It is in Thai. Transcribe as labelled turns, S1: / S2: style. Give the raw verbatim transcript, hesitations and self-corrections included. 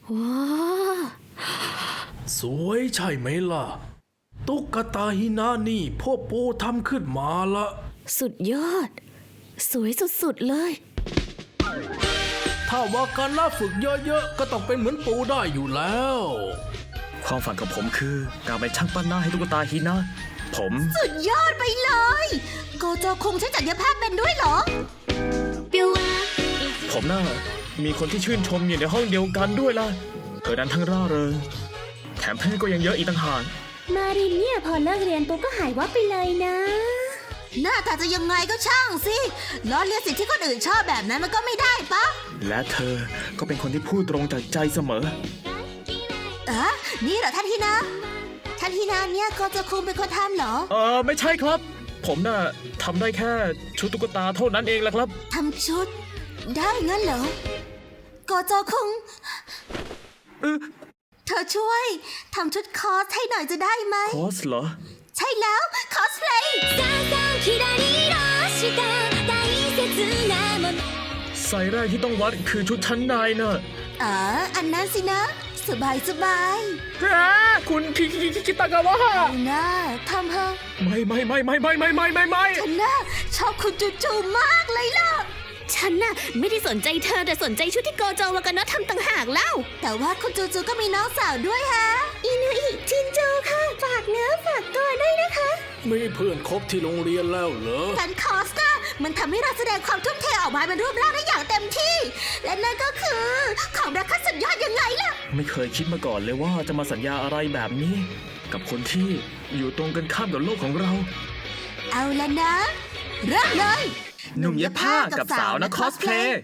S1: ว้า
S2: สวยใช่ไหมล่ะตุ๊กตาฮินานี่พ่อปูทำขึ้นมาละ
S1: สุดยอด สวยสุดๆเลย
S2: ถ้าว่าการล่าฝึกเยอะๆก็ต้องเป็นเหมือนปูได้อยู่แล้ว
S3: ความฝันของผมคือการเป็นช่างปั้นหน้าให้ตุ๊กตาฮินะผม
S4: สุดยอดไปเลยโกโจคงใช้จักรภาพเป็นด้วยเหรอ
S3: ผมน่ามีคนที่ชื่นชมอยู่ในห้องเดียวกันด้วยล่ะเธอนั้นทั้งร่าเริงแถมเพื่อนก็ยังเยอะอีกต่างหาก
S5: มารินเนี่ยพอเลิกเรียนปุ๊บก็หายวับไปเลยนะ
S4: หน้าตาจะยังไงก็ช่างสิล้อเลียนสิ่งที่คนอื่นชอบแบบนั้นมันก็ไม่ได้ปะ
S3: และเธอก็เป็นคนที่พูดตรงจากใจเสมอ
S4: เอ๊ะนี่เหรอท่านฮินะท่านฮินะเนี่ยโกโจคงเป็นคนทำเหรอ
S3: เออไม่ใช่ครับ ผมน่ะทำได้แค่ชุดตุ๊กตาเท่านั้นเองแหละครับ
S4: ทำชุด ได้งั้นเหรอโกโจคง
S3: เออ
S4: เธอช่วยทำชุดคอสให้หน่อยจะได้ไหม
S3: คอสเหรอ
S4: ใช่แล้วคอสเพลย์
S3: ไซส์แรกที่ต้องวัดคือชุดชั้นในน่ะ
S4: อ๋ออันนั้นสินะ สบายสบาย
S3: ฮะคุณคิคิคิคิตากาวะ
S4: น่าทำเถอะ
S3: ไม่ไม่ไม่ไม่ไม่ไม่ไม่ไม่ไม่
S4: ฉันน่ะชอบคุณจูจูมากเลยล่ะ
S1: ฉันน่ะไม่ได้สนใจเธอแต่สนใจชุดที่โกโจวากาโนะทำต่างหากเล่า
S4: แต่ว่าคุณจูจูก็มีน้องสาวด้วยฮะ
S5: อินุอิจินโจค่ะ ฝากเนื้อฝากตัวด้วยนะคะ
S2: มีเพื่อนคบที่โรงเรียนแล้วเหรอ
S4: การคอสน่ะมันทำให้เราแสดงความทุ่มเทออกมาเป็นรูปร่างได้อย่างเต็มที่ และนั่นก็คือของรักขั้นสุดยอดยังไงล่ะ
S3: ไม่เคยคิดมาก่อนเลยว่าจะมาสัญญาอะไรแบบนี้ กับคนที่อยู่ตรงกันข้ามกับโลกของเรา
S4: เอาละนะ เริ่มเลย
S3: หนุ่มเย็บผ้ากับสาวนักคอสเพลย์